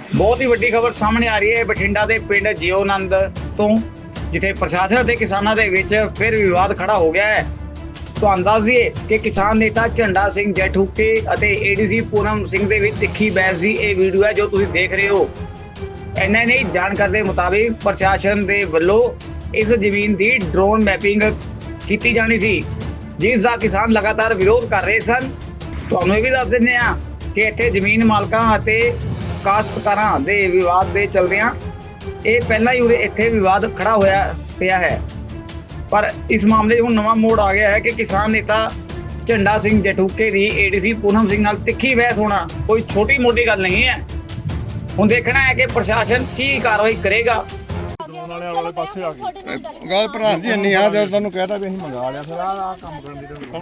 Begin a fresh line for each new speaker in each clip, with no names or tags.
ਬਹੁਤ ਹੀ ਵੱਡੀ ਖਬਰ ਸਾਹਮਣੇ ਆ ਰਹੀ ਹੈ ਬਠਿੰਡਾ ਦੇ ਪਿੰਡ ਜਿਉਨੰਦ ਤੋਂ, ਜਿੱਥੇ ਪ੍ਰਸ਼ਾਸਨ ਅਤੇ ਕਿਸਾਨਾਂ ਦੇ ਵਿੱਚ ਫਿਰ ਵਿਵਾਦ ਖੜਾ ਹੋ ਗਿਆ ਹੈ। ਤੁਹਾਨੂੰ ਦੱਸ ਦਈਏ ਕਿ ਕਿਸਾਨ ਨੇਤਾ ਝੰਡਾ ਸਿੰਘ ਜੈਠੂਕੇ ਅਤੇ ਏਡੀਸੀ ਪੂਨਮ ਸਿੰਘ ਦੇ ਵਿੱਚ ਤਿੱਖੀ ਬਹਿਸ ਦੀ ਇਹ ਵੀਡੀਓ ਹੈ ਜੋ ਤੁਸੀਂ ਦੇਖ ਰਹੇ ਹੋ। ਇੰਨਾ ਨਹੀਂ, ਜਾਣਕਾਰੀ ਦੇ ਮੁਤਾਬਿਕ ਪ੍ਰਸ਼ਾਸਨ ਦੇ ਵੱਲੋਂ ਇਸ ਜ਼ਮੀਨ ਦੀ ਡਰੋਨ ਮੈਪਿੰਗ ਕੀਤੀ ਜਾਣੀ ਸੀ, ਜਿਸ ਦਾ ਕਿਸਾਨ ਲਗਾਤਾਰ ਵਿਰੋਧ ਕਰ ਰਹੇ ਸਨ। ਤੁਹਾਨੂੰ ਇਹ ਵੀ ਦੱਸ ਦਿੰਦੇ ਹਾਂ ਕਿ ਇੱਥੇ ਜ਼ਮੀਨ ਮਾਲਕਾਂ ਅਤੇ ਕਾਸ਼ਤਕਾਰਾਂ ਦੇ ਵਿਵਾਦ ਦੇ ਚਲਦਿਆਂ ਇਹ ਪਹਿਲਾਂ ਹੀ ਇੱਥੇ ਵਿਵਾਦ ਖੜਾ ਹੋਇਆ ਪਿਆ ਹੈ। ਪਰ ਇਸ ਮਾਮਲੇ 'ਚ ਹੁਣ ਨਵਾਂ ਮੋੜ ਆ ਗਿਆ ਹੈ ਕਿ ਕਿਸਾਨ ਨੇਤਾ ਝੰਡਾ ਸਿੰਘ ਜੈਠੂਕੇ ਦੀ ਏਡੀਸੀ ਪੂਨਮ ਸਿੰਘ ਨਾਲ ਤਿੱਖੀ ਬਹਿਸ ਹੋਣਾ ਕੋਈ ਛੋਟੀ ਮੋਟੀ ਗੱਲ ਨਹੀਂ ਹੈ। ਹੁਣ ਦੇਖਣਾ ਹੈ ਕਿ ਪ੍ਰਸ਼ਾਸਨ ਕੀ ਕਾਰਵਾਈ ਕਰੇਗਾ।
ਵਾਲੇ ਪਾਸੇ ਆ ਗਏ
ਗੱਲ ਪ੍ਰਧਾਨ ਜੀ ਇੰਨੀ ਆ, ਜਦ ਤੁਹਾਨੂੰ ਕਹਿਤਾ ਵੀ ਅਸੀਂ ਮੰਗਾ ਲਿਆ, ਫਿਰ ਆਹ ਕੰਮ ਕਰਨ ਦੀ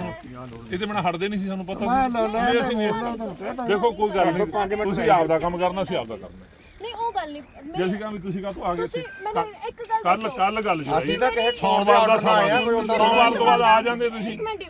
ਇਹ ਤੇ ਬਿਨਾਂ ਹਟਦੇ ਨਹੀਂ ਸੀ, ਸਾਨੂੰ ਪਤਾ ਸੀ। ਅਸੀਂ ਦੇਖੋ ਕੋਈ ਗੱਲ ਨਹੀਂ, ਤੁਸੀਂ ਆਪ ਦਾ ਕੰਮ ਕਰਨਾ, ਅਸੀਂ ਆਪ ਦਾ ਕਰਨਾ।
ਨਹੀਂ ਉਹ ਗੱਲ ਨਹੀਂ,
ਜੇ ਅਸੀਂ ਕਹਾਂ ਵੀ ਤੁਸੀਂ ਕਾਹਤੋਂ ਆ ਗਏ,
ਮੈਨੂੰ ਇੱਕ ਗੱਲ
ਕੱਲ ਗੱਲ ਜੀ
ਅਸੀਂ ਤਾਂ ਕਹੇ
ਸੋਮਵਾਰ ਦਾ ਸਮਾਂ, ਸੋਮਵਾਰ ਤੋਂ ਬਾਅਦ ਆ ਜਾਂਦੇ ਤੁਸੀਂ।
ਇੱਕ ਮਿੰਟ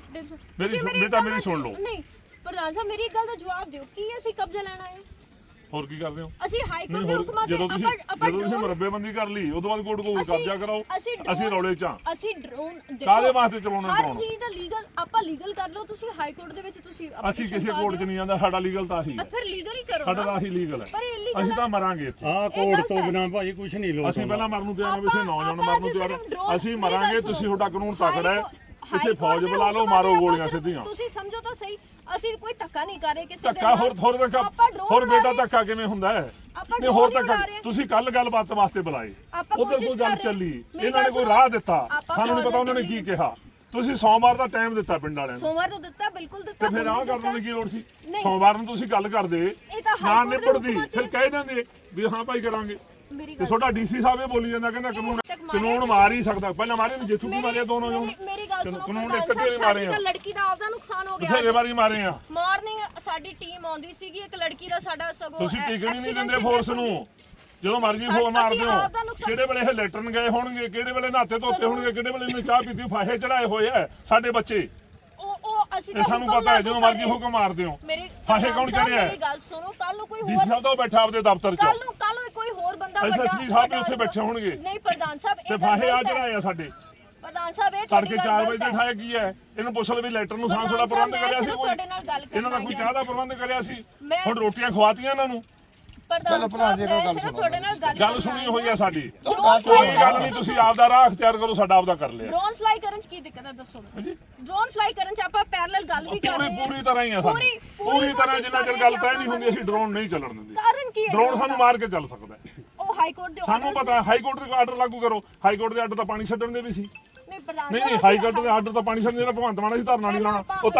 ਮੇਰੀ ਸੁਣ ਲਓ।
ਨਹੀਂ ਪ੍ਰਧਾਨ ਸਾਹਿਬ, ਮੇਰੀ ਇੱਕ ਗੱਲ ਦਾ ਜਵਾਬ ਦਿਓ, ਕੀ ਅਸੀਂ ਕਬਜ਼ਾ ਲੈਣਾ ਹੈ?
ਹੋਰ ਕੀ ਕਰਦੇ ਹੋ?
ਅਸੀਂ ਹਾਈ ਕੋਰਟ ਦੇ ਹੁਕਮਾਂ
ਜਦੋਂ ਤੁਸੀਂ ਮਰੱਬੇਬੰਦੀ ਕਰ ਲਈ ਉਦੋਂ ਬਾਅਦ ਕੋਰਟ ਕੋਲ ਕਬਜ਼ਾ ਕਰਾਓ। ਅਸੀਂ ਰੌਲੇ ਚ ਆ।
ਅਸੀਂ ਡਰੋਨ
ਕਾਹਦੇ ਵਾਸਤੇ ਚਲਾਉਣਾ
ਹਰ ਚੀਜ਼ ਦਾ ਲੀਗਲ ਆਪਾਂ ਲੀਗਲ ਕਰ ਲਓ। ਤੁਸੀਂ ਹਾਈ ਕੋਰਟ ਦੇ ਵਿੱਚ ਤੁਸੀਂ
ਅਸੀਂ ਕਿਸੇ ਕੋਰਟ 'ਚ ਨਹੀਂ ਜਾਂਦਾ, ਸਾਡਾ ਲੀਗਲ ਤਾਂ ਆਹੀ ਹੈ।
ਫਿਰ ਲੀਗਲ ਹੀ ਕਰੋ,
ਸਾਡਾ ਤਾਂ ਆਹੀ ਲੀਗਲ ਹੈ। ਅਸੀਂ ਤਾਂ ਮਰਾਂਗੇ ਇੱਥੇ।
ਆਹ ਕੋਰਟ ਤੋਂ ਬਿਨਾਂ ਭਾਜੀ ਕੁਝ ਨਹੀਂ ਲੋਕ।
ਅਸੀਂ ਪਹਿਲਾਂ ਮਰਨ ਨੂੰ ਤਿਆਰ ਹਾਂ, ਵੈਸੇ ਨੌਜਵਾਨ ਮਰਨ ਨੂੰ ਤਿਆਰ। ਅਸੀਂ ਮਰਾਂਗੇ, ਤੁਸੀਂ ਤੁਹਾਡਾ ਕਾਨੂੰਨ ਤਕੜਾ ਹੈ। ਇੱਥੇ ਫੌਜ ਬੁਲਾ ਲਓ, ਮਾਰੋ ਗੋਲੀਆਂ ਸਿੱਧੀਆਂ।
ਤੁਸੀਂ ਸਮਝੋ ਤਾਂ ਸਹੀ, ਅਸੀਂ ਕੋਈ ਧੱਕਾ ਨਹੀਂ ਕਰ ਰਹੇ ਕਿਸੇ
ਧੱਕਾ ਹੋਰ ਬੇਟਾ ਧੱਕਾ ਕਿਵੇਂ ਹੁੰਦਾ ਹੈ? ਨਹੀਂ ਹੋਰ ਧੱਕਾ ਤੁਸੀਂ ਕੱਲ ਗੱਲਬਾਤ ਵਾਸਤੇ ਬੁਲਾਏ, ਉਧਰ ਕੋਈ ਗੱਲ ਚੱਲੀ, ਇਹਨਾਂ ਨੇ ਕੋਈ ਰਾਹ ਦਿੱਤਾ, ਸਾਨੂੰ ਨਹੀਂ ਪਤਾ ਉਹਨਾਂ ਨੇ ਕੀ ਕਿਹਾ। ਤੁਸੀਂ ਸੋਮਵਾਰ ਦਾ ਟਾਈਮ ਦਿੱਤਾ ਪਿੰਡ ਵਾਲਿਆਂ ਨੂੰ,
ਸੋਮਵਾਰ ਨੂੰ ਦਿੱਤਾ, ਬਿਲਕੁਲ ਦਿੱਤਾ।
ਤੇ ਫਿਰ ਆਹ ਕਰਨ ਦੀ ਕੀ ਲੋੜ ਸੀ? ਸੋਮਵਾਰ ਨੂੰ ਤੁਸੀਂ ਗੱਲ ਕਰਦੇ ਨਾ ਨਿਬੜਦੀ, ਫਿਰ ਕਹਿ ਦਿੰਦੇ ਵੀ ਹਾਂ ਭਾਈ ਕਰਾਂਗੇ। ਤੇ ਤੁਹਾਡਾ ਡੀਸੀ ਸਾਹਿਬ ਇਹ ਬੋਲੀ ਜਾਂਦਾ, ਕਹਿੰਦਾ ਕਾਨੂੰਨ ਮਾਰ ਹੀ ਸਕਦਾ। ਪਹਿਲਾਂ ਮਾਰੇ ਨੇ, ਜਿੱਥੂ ਕੀ ਮਾਰਿਆ ਦੋਨੋਂ ਜਣ।
ਮੇਰੀ ਗੱਲ ਸੁਣੋ,
ਕਾਨੂੰਨ ਇੱਕ ਤੇ ਮਾਰੇ ਆ,
ਲੜਕੀ ਦਾ ਆਪਦਾ ਨੁਕਸਾਨ ਹੋ ਗਿਆ।
ਬਥੇਰੇ ਵਾਰੀ ਮਾਰੇ ਆ।
ਮਾਰਨਿੰਗ ਸਾਡੀ ਟੀਮ ਆਉਂਦੀ ਸੀਗੀ, ਇੱਕ ਲੜਕੀ ਦਾ ਸਾਡਾ ਸਗੋਂ
ਤੁਸੀਂ ਟਿਕਣੀ ਨਹੀਂ ਦਿੰਦੇ ਫੋਰਸ ਨੂੰ। ਜਦੋਂ ਮਰਜ਼ੀ ਫੋਨ ਮਾਰਦੇ ਹੋ, ਕਿਹੜੇ ਵੇਲੇ ਇਹ ਲੈਟਰਨ ਗਏ ਹੋਣਗੇ, ਕਿਹੜੇ ਵੇਲੇ ਨਹਾਤੇ ਧੋਤੇ ਹੋਣਗੇ, ਕਿਹੜੇ ਵੇਲੇ ਇਹਨੇ ਚਾਹ ਪੀਤੀ, ਫਾਹੇ ਚੜਾਏ ਹੋਏ ਆ ਸਾਡੇ ਬੱਚੇ।
ਅਸੀਂ
ਇਹ ਸਾਨੂੰ ਪਤਾ ਹੈ, ਜਦੋਂ ਮਰਜ਼ੀ ਹੁਕਮ ਮਾਰਦੇ ਹੋ। ਫਾਹੇ ਕੌਣ ਚੜਿਆ?
ਮੇਰੀ ਗੱਲ ਸੁਣੋ, ਕੱਲ ਨੂੰ ਕੋਈ ਹੋਰ
ਡੀਸੀ ਸਾਹਿਬ ਤਾਂ ਬੈਠਾ ਆਪਦੇ ਦਫ਼ਤਰ 'ਚ,
ਕੱਲ ਨੂੰ ਕੋਈ ਹੋਰ ਬੰਦਾ ਵੱਡਾ
ਐਸਐਸਪੀ ਸਾਹਿਬ ਵੀ ਉੱਥੇ ਬੈਠੇ ਹੋਣਗੇ।
ਨਹੀਂ ਪ੍ਰਧਾਨ ਸਾਹਿਬ,
ਤੇ ਫਾਹੇ ਆ ਚੜਾਏ ਆ ਸਾਡੇ।
ਪ੍ਰਧਾਨ ਸਾਹਿਬ ਇਹ
ਤੜਕੇ 4 ਵਜੇ ਤੇ ਠਾਇਆ ਕੀ ਹੈ? ਇਹਨੂੰ ਪੁੱਛ ਲਓ ਵੀ ਲੈਟਰ ਨੂੰ ਸਾਂਸ ਦਾ ਪ੍ਰਬੰਧ ਕਰਿਆ ਸੀ ਕੋਈ? ਇਹਨਾਂ ਦਾ ਕੋਈ ਚਾਹ ਦਾ ਪ੍ਰਬੰਧ ਕਰਿਆ ਸੀ? ਹੁਣ ਰੋਟੀਆਂ ਖਵਾਤੀਆਂ ਇਹਨਾਂ ਨੂੰ।
ਪ੍ਰਧਾਨ ਸਾਹਿਬ ਤੁਹਾਡੇ ਨਾਲ
ਗੱਲ ਸੁਣੀ ਹੋਈ ਹੈ ਸਾਡੀ, ਕੋਈ ਗੱਲ ਨਹੀਂ। ਤੁਸੀਂ ਆਪ ਦਾ ਰਾਹ ਅਖਤਿਆਰ ਕਰੋ, ਸਾਡਾ ਆਪਦਾ ਕਰ ਲਿਆ।
ਡਰੋਨ ਫਲਾਈ ਕਰਨ 'ਚ ਕੀ ਦਿੱਕਤ ਹੈ ਦੱਸੋ? ਡਰੋਨ ਫਲਾਈ ਕਰਨ 'ਚ ਆਪਾਂ ਪੈਰਲਲ ਗੱਲ ਵੀ ਕਰ ਰਹੇ ਹਾਂ।
ਪੂਰੀ ਤਰ੍ਹਾਂ ਹੀ ਆ ਸਾਡੀ, ਪੂਰੀ ਤਰ੍ਹਾਂ। ਜਿੰਨਾ ਚਿਰ ਗੱਲ ਤੈਅ ਨਹੀਂ ਹੁੰਦੀ ਅਸੀਂ ਡਰੋਨ ਨਹੀਂ ਚੱਲਣ ਦਿੰਦੇ।
ਕਾਰਨ ਕੀ ਹੈ?
ਡਰੋਨ ਸਾਨੂੰ ਮਾਰ ਕੇ ਚੱਲ ਸਕਦਾ।
ਉਹ ਹਾਈ ਕੋਰਟ ਦੇ
ਸਾਨੂੰ ਪਤਾ, ਹਾਈ ਕੋਰਟ ਦੇ ਆਰਡਰ ਲਾਗੂ ਕਰੋ। ਹਾਈ ਕੋਰਟ ਦੇ ਆਰਡਰ ਤਾਂ ਪਾਣੀ ਛੱਡਣ ਦੇ ਵੀ ਸੀ।
ਨਹੀਂ ਪ੍ਰਧਾਨ
ਨਹੀਂ ਹਾਈ ਕੋਰਟ ਦੇ ਆਰਡਰ ਤਾਂ ਪਾਣੀ ਛੱਡਣ ਦੇ, ਭਗਵੰਤ ਮਾਨ ਸੀ ਧਰਨਾ ਨਹੀਂ ਲਾਉਣਾ।